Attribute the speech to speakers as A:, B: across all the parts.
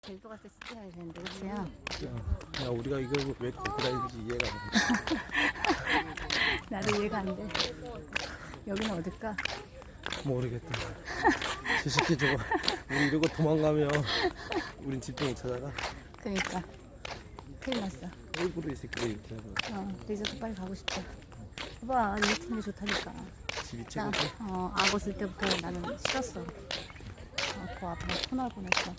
A: 제주도 갔을 때 진짜 해야 되는데, 그치야?
B: 야, 우리가 이걸 왜 갖고 다니는지 이해가 안 돼.
A: 나도 이해가 안 돼. 여기는 어딜까?
B: 모르겠다. 저 새끼 저거 우리 이러고 도망가면 우린 집도 못 찾아가.
A: 그니까. 큰일 났어.
B: 일부러 이 새끼가 이렇게 하고.
A: 리조트 빨리 가고 싶다. 봐봐, 리조트인데 좋다니까.
B: 집이
A: 나,
B: 최고지.
A: 악 없을 때부터 나는 싫었어. 그 앞에 터널 보냈어.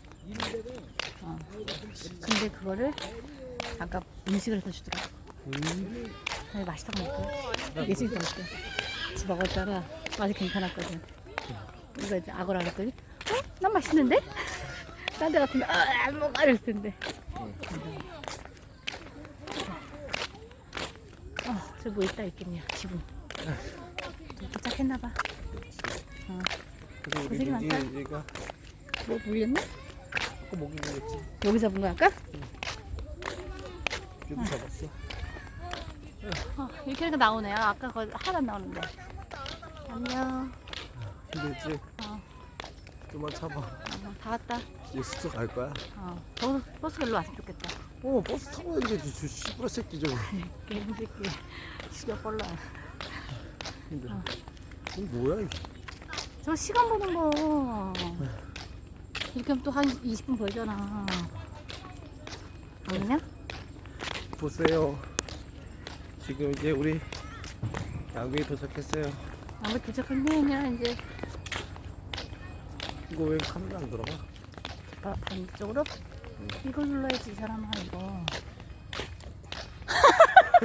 A: 근데 그거를 아까 음식을 해서 주더라고. 근데 맛있다고 먹고. 이게 지금 먹고. 집 먹었잖아. 맛이 괜찮았거든. 이거 이제 악어라 그랬더니, 난 맛있는데? 딴 데 같으면, 안 먹어! 이랬을 텐데. 저 뭐 있다 있겠냐, 지금. 도착했나봐.
B: 그래서 우리
A: 고생이 많다.
B: 여기가
A: 뭐 물렸나?
B: 아까 목이 물렸지.
A: 여기 잡은 거야, 아까?
B: 여기 잡았어.
A: 이렇게 하니까 나오네요. 아까 거 하나도 안 나오는데. 안녕.
B: 힘들지? 좀만 참아.
A: 다 왔다.
B: 이제 숙소 갈 거야?
A: 버스 일로 왔으면 좋겠다.
B: 버스 타고 가야지. 저 씨부라 새끼 저거.
A: 개새끼. 죽여볼라.
B: 힘들어. 이거 뭐야 이거?
A: 저 시간 보는 거. 이렇게 하면 또 한 20분 걸잖아. 아니냐?
B: 보세요. 지금 이제 우리 양구에 도착했어요.
A: 아무 도착했냐, 이제.
B: 이거 왜 카메라 안 들어가?
A: 반대쪽으로? 이걸 눌러야지, 이 사람아, 이거.